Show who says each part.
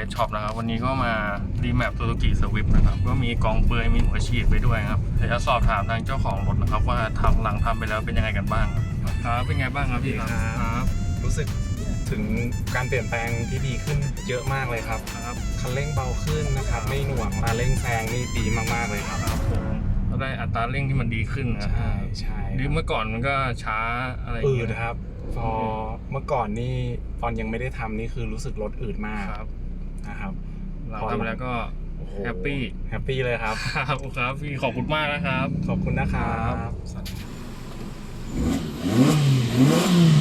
Speaker 1: ช็อปนะครับวันนี้ก็มารีแมป Suzuki Swift นะครับก็มีกองเปลือยมีหัวฉีดไปด้วยครับเดี๋ยวจะสอบถามทางเจ้าของรถนะครับว่าหลังทำไปแล้วเป็นยังไงกันบ้างครับเป็นไงบ้างครับพี่ครับ
Speaker 2: รู้สึกถึงการเปลี่ยนแปลงที่ดีขึ้นเยอะมากเลยครับคันเร่งเบาขึ้นนะครับไม่หน่วงมาเร่งแซงนี่ดีมากๆเลยครับ
Speaker 1: ผมก็ได้อัตราเร่งที่มันดีขึ้นนะ
Speaker 2: ใช่
Speaker 1: ดีเมื่อก่อนมันก็ช้าอะไร
Speaker 2: นะครับพอเมื่อก่อนนี่ตอนยังไม่ได้ทำนี่คือรู้สึกรถอืดมากนะครับ
Speaker 1: หลังทำแล้วก็แฮปปี้
Speaker 2: เลยครับ
Speaker 1: ครับพี่ขอบคุณมากนะครับ
Speaker 2: ขอบคุณนะครับ